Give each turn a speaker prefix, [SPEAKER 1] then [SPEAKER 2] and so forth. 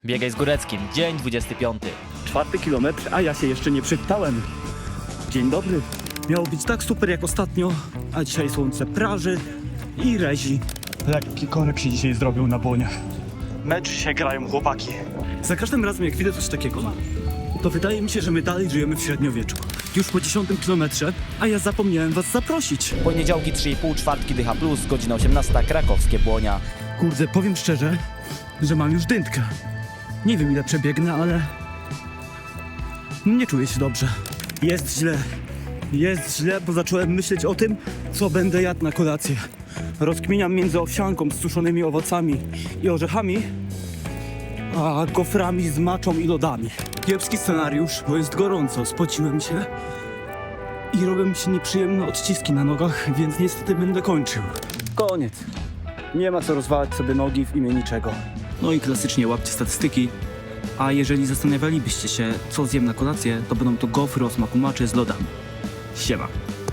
[SPEAKER 1] Biegaj z Góreckim, dzień 25.
[SPEAKER 2] 4. kilometr, a ja się jeszcze nie przywitałem. Dzień dobry. Miało być tak super jak ostatnio, a dzisiaj słońce praży i rezi. Lekki korek się dzisiaj zrobił na błoniach. Mecz się grają chłopaki. Za każdym razem jak widzę coś takiego, to wydaje mi się, że my dalej żyjemy w średniowieczu. Już po 10 kilometrze, a ja zapomniałem was zaprosić.
[SPEAKER 1] Poniedziałki 3,5, czwartki Dycha Plus, godzina 18, krakowskie Błonia.
[SPEAKER 2] Kurde, powiem szczerze, że mam już dętkę. Nie wiem ile przebiegnę, ale nie czuję się dobrze. Jest źle, bo zacząłem myśleć o tym, co będę jadł na kolację. Rozkminiam między owsianką z suszonymi owocami i orzechami, a goframi z maczą i lodami. Kiepski scenariusz, bo jest gorąco, spociłem się i robią mi się nieprzyjemne odciski na nogach, więc niestety będę kończył. Koniec. Nie ma co rozwalać sobie nogi w imię niczego. No i klasycznie łapcie statystyki. A jeżeli zastanawialibyście się, co zjem na kolację, to będą to gofry o smaku maczy z lodami. Siema.